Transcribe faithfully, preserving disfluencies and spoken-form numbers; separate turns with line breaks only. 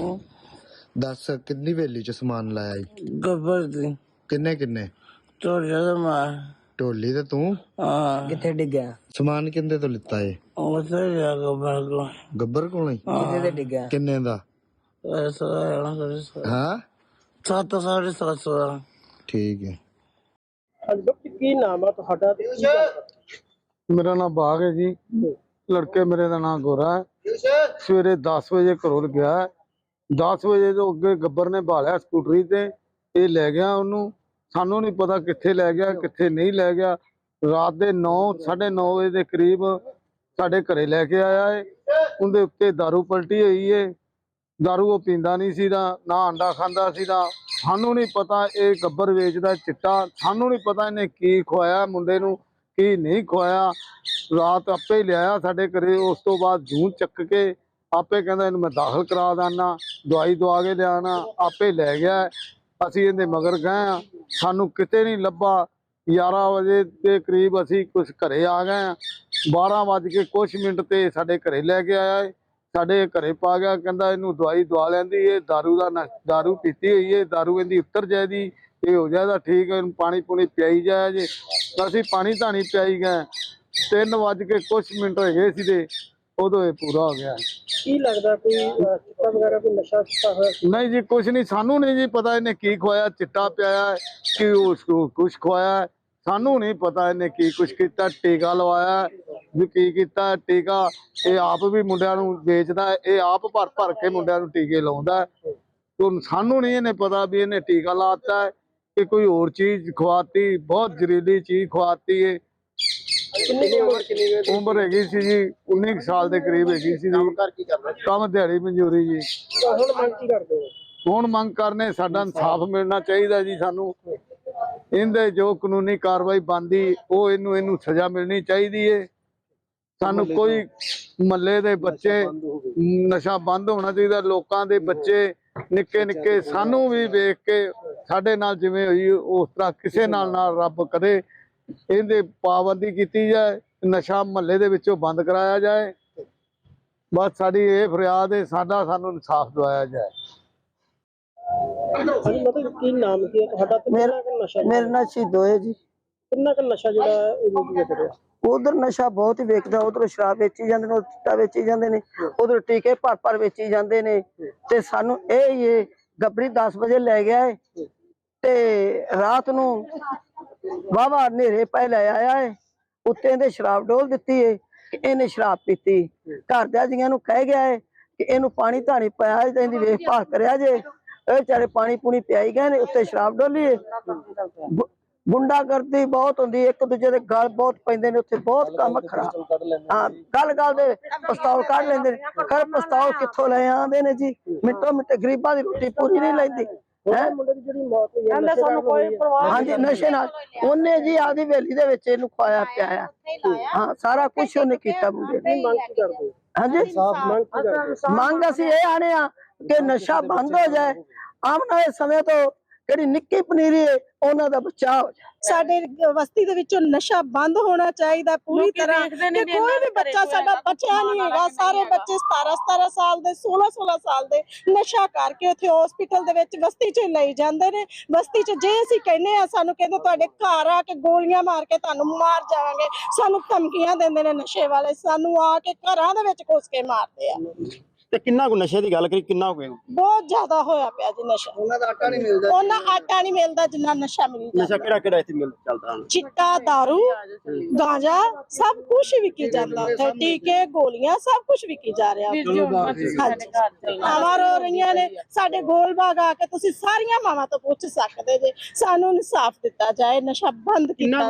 दस किन्नी वेली च समान लाया जी?
गब्बर दी
किन्ने किन्ने?
ढोलिया दा मार
ढोली ते तू
हाँ
किथे डिग्गा?
समान किंदे तो लिता है?
उसे लिया गब्बर को
गब्बर कोलों ही?
किथे ते डिग्गा?
किन्ने दा?
ऐसा
हाँ
सत्त साढ़े सत्त सौ दा।
ठीक है।
ਕੀ ਨਾਮ ਆ ਤੁਹਾਡਾ ਤੇ ਕੀ ਗੱਲ
मेरा नाम बाग है जी। लड़के मेरे का नाम गोरा है। सवेरे दस बजे घरों गया, दस बजे तो अगे गब्बर ने भालिया स्कूटरी ते ये लै गया ओनू, सानू नहीं पता कित्थे लै गया कित्थे नहीं लै गया। रात के नौ साढ़े नौ बजे के करीब साढ़े घरे लैके आया है। उनके उत्ते दारू पलटी हुई है। दारू वो पींदा नहीं सी ना अंडा खांदा सी ना। सानू नहीं पता ये गब्बर वेचदा चिट्टा, सानू नहीं पता इन्हें की खुआया मुंडे नू की नहीं खुआया। रात आपे लिया साढ़े घरे, उस तो बाद जून चक के आपे कहंदा इन्हूं मैं दाखिल करा देना, दवाई दवा के लियाना, आपे लै गया। असी इहदे मगर गए हाँ, सानू किते नहीं लभा। ग्यारह बजे के करीब असी कुछ घरे आ गए। बारह बज के कुछ मिनट ते साढ़े घरे लैके आया है, साढ़े घरे पा गया। कहंदा इन्हूं दवाई दवा लैंदी, ये दारू दा न दारू पीती हुई है, दारू इहदी उतर जाएगी, ये हो जाएगा ठीक है, पानी पूनी पियाई जाए जे। असी पानी धानी पियाई गए। तीन बज के कुछ मिनट हो गए सी उदों ये पूरा हो गया।
ਕੀ ਲੱਗਦਾ ਕੋਈ ਅਹ, ਚਿੱਟਾ ਵਗੈਰਾ ਕੋਈ ਨਸ਼ਾ ਕੀਤਾ ਹੋਇਆ ਸੀ?
नहीं जी कुछ नहीं, सानू नहीं जी पता इन्हें की खुआया, चिट्टा पियाया कि उसको कुछ खुआया, सानू नहीं पता इन्हें की कुछ किया। टीका लवाया भी की किया टीका, ये आप भी मुंडिया नूं बेचदा है, ये आप भर भर के मुंडिया नूं टीके लाउंदा है। तो सानू नहीं इन्हें पता भी इन्हें टीका लाता है कि कोई और चीज खुआती, बहुत जहरीली चीज खुआती है।
ਕਿੰਨੀ ਕੁ ਉਮਰ ਕਿੰਨੀ ਕੁ
उम्र हैगी सी जी उन्नीस साल के करीब हैगी सी जी।
ਘਰ ਕੀ ਕਰਦਾ ਸੀ?
काम दिहाड़ी मंजूरी जी।
ਤਾਂ ਹੁਣ ਮੰਗ ਕੀ ਕਰਦੇ ਹੋ?
ਹੁਣ ਮੰਗ ਕਰਨੇ ਸਾਡਾ ਇਨਸਾਫ ਮਿਲਣਾ ਚਾਹੀਦਾ ਜੀ। ਸਾਨੂੰ ਇਹਦੇ ਜੋ ਕਾਨੂੰਨੀ ਕਾਰਵਾਈ ਬਣਦੀ ਉਹ ਇਹਨੂੰ ਇਹਨੂੰ ਸਜ਼ਾ ਮਿਲਣੀ ਚਾਹੀਦੀ ਏ। ਸਾਨੂੰ ਕੋਈ ਮੱਲੇ ਦੇ ਬੱਚੇ ਨਸ਼ਾ ਬੰਦ ਹੋਣਾ ਚਾਹੀਦਾ। ਲੋਕਾਂ ਦੇ ਬੱਚੇ ਨਿੱਕੇ ਨਿੱਕੇ ਸਾਨੂੰ ਵੀ ਵੇਖ ਕੇ ਸਾਡੇ ਨਾਲ ਜਿਵੇਂ ਹੋਈ ਉਸ ਤਰ੍ਹਾਂ ਕਿਸੇ ਨਾਲ ਨਾ ਰੱਬ ਕਰੇ। ਇਹਦੇ ਪਾਬੰਦੀ ਕੀਤੀ ਜਾਏ, ਨਸ਼ਾ ਮਹੱਲੇ ਦੇ ਵਿੱਚੋਂ ਬੰਦ ਕਰਾਇਆ ਜਾਏ। ਬਸ ਸਾਡੀ ਇਹ ਫਰਿਆਦ ਹੈ, ਸਾਡਾ ਸਾਨੂੰ ਇਨਸਾਫ ਦਿਵਾਇਆ ਜਾਏ।
ਹਾਂਜੀ ਮਤਲਬ ਕੀ ਨਾਮ ਕੀ ਹੈ ਤੁਹਾਡਾ ਤੇ ਕਿੰਨਾ ਕੁ ਨਸ਼ਾ
मेरे नाम शहीदो है जी।
ਕਿੰਨਾ ਕੁ ਨਸ਼ਾ ਜਿਹੜਾ ਇਹ ਵੇਚ ਰਿਹਾ?
उधर नशा बहुत ही वेचदा, उधर शराब बेची जांदे ने, चिट्टा बेची जांदे ने, उधर टीके भर भर बेची जांदे ने। ते सानू ए ये गब्बरी दस बजे ले गया है ते रात नू वाहवा नेरे पै ले आया है। उत्ते इहदे शराब डोल दित्ती है कि इहने शराब पीती। घर दे जियां नू कह गया है कि इहनू पानी धानी पाया ते इहदी वेखभाल करिया जे। ਇਹ ਵਿਚਾਰੇ ਪਾਣੀ ਪੂਣੀ ਪਿਆਈ ਗਏ ਨੇ, ਉੱਤੇ ਸ਼ਰਾਬ ਡੋਲੀ ਹੈ। ਗੁੰਡਾਗਰਦੀ ਬਹੁਤ ਹੁੰਦੀ, ਇੱਕ ਦੂਜੇ ਦੇ ਗਲ ਬਹੁਤ ਪੈਂਦੇ ਨੇ, ਉੱਥੇ ਬਹੁਤ ਕੰਮ ਖਰਾਬ। ਹਾਂ ਗੱਲ ਗੱਲ ਦੇ ਪਿਸਤੌਲ ਕੱਢ ਲੈਂਦੇ ਨੇ। ਖਰ ਪਿਸਤੌਲ ਕਿੱਥੋਂ ਲੈ ਆਉਂਦੇ ਨੇ ਜੀ? ਮਿੰਟੋ ਮਿੰਟ ਗਰੀਬਾਂ ਦੀ ਰੋਟੀ ਪੂਰੀ ਨਹੀਂ ਲੈਂਦੀ ਹੈ।
ਮੁੰਡੇ ਦੀ ਜਿਹੜੀ ਮੌਤ ਹੋਈ ਹੈ ਨਸ਼ੇ ਨਾਲ ਹੋਈ ਹੈ।
ਹਾਂਜੀ ਨਸ਼ੇ ਨਾਲ ਉਹਨੇ ਜੀ ਆਪਦੀ ਹਵੇਲੀ ਦੇ ਵਿੱਚ ਇਹਨੂੰ ਖਵਾਇਆ ਪਿਆਇਆ। ਹਾਂ ਸਾਰਾ ਕੁਛ ਉਹਨੇ ਕੀਤਾ ਮੁੰਡੇ ਨੇ।
ਮੰਗ ਕੀ ਕਰਦੇ ਹੋ?
ਹਾਂਜੀ
ਮੰਗ ਕੀ ਕਰਦੇ ਹੋ?
ਮੰਗ ਅਸੀਂ ਇਹ ਆਣੇ ਆ ਕਿ ਨਸ਼ਾ ਬੰਦ ਹੋ ਜਾਏ। ਆਉਣ ਵਾਲੇ ਸਮੇਂ ਤੋਂ ਜਿਹੜੀ ਨਿੱਕੀ ਪਨੀਰੀ ਹੈ ਉਹਨਾਂ ਦਾ ਬਚਾਅ ਹੋ ਜਾਏ।
ਸਾਡੇ ਬਸਤੀ ਦੇ ਵਿੱਚੋਂ ਨਸ਼ਾ ਬੰਦ ਹੋਣਾ ਚਾਹੀਦਾ ਪੂਰੀ ਤਰ੍ਹਾਂ। ਕਿ ਕੋਈ ਵੀ ਬੱਚਾ ਸਾਡਾ ਬਚਿਆ ਨਹੀਂ ਹੈਗਾ। ਸਾਰੇ ਬੱਚੇ ਸਤਾਰਾਂ ਸਤਾਰਾਂ ਸਾਲ ਦੇ, ਸੋਲਾਂ ਸੋਲਾਂ ਸਾਲ ਦੇ ਨਸ਼ਾ ਕਰਕੇ ਉੱਥੇ ਹਸਪੀਟਲ ਦੇ ਵਿੱਚ ਬਸਤੀ 'ਚ ਲਈ ਜਾਂਦੇ ਨੇ। ਬਸਤੀ 'ਚ ਜੇ ਅਸੀਂ ਕਹਿੰਦੇ ਆ, ਸਾਨੂੰ ਕਹਿੰਦੇ ਤੁਹਾਡੇ ਘਰ ਆ ਕੇ ਗੋਲੀਆਂ ਮਾਰ ਕੇ ਤੁਹਾਨੂੰ ਮਾਰ ਜਾਵਾਂਗੇ। ਸਾਨੂੰ ਧਮਕੀਆਂ ਦਿੰਦੇ ਨੇ ਨਸ਼ੇ ਵਾਲੇ, ਸਾਨੂੰ ਆ ਕੇ ਘਰਾਂ ਦੇ ਵਿੱਚ ਘੁਸ ਕੇ ਮਾਰਦੇ ਆ।
ਤੇ ਕਿੰਨਾ ਕੁ ਨਸ਼ੇ ਦੀ ਗੱਲ ਕਰੀ, ਕਿੰਨਾ ਹੋ ਗਿਆ?
ਬਹੁਤ ਜ਼ਿਆਦਾ ਹੋਇਆ ਪਿਆ ਜੀ ਨਸ਼ਾ।
ਉਹਨਾਂ ਦਾ ਆਟਾ ਨਹੀਂ ਮਿਲਦਾ।
ਉਹਨਾਂ ਆਟਾ ਨਹੀਂ ਮਿਲਦਾ ਜਿੰਨਾ ਨਸ਼ਾ ਮਿਲਦਾ।
ਨਸ਼ਾ ਕਿਹੜਾ ਕਿਹੜਾ ਇੱਥੇ ਮਿਲ ਚੱਲਦਾ ਹੁਣ?
चिट्टा, दारू, गांजा सब कुछ विकी जाता है। टीके, गोलियां सब कुछ विकी जा रहा है। हमारा रही ने साडे गोल बाग आके तुसी सारियां मावां तो पुछ सकदे जे। सानू इंसाफ दिता जाए, नशा बंद किया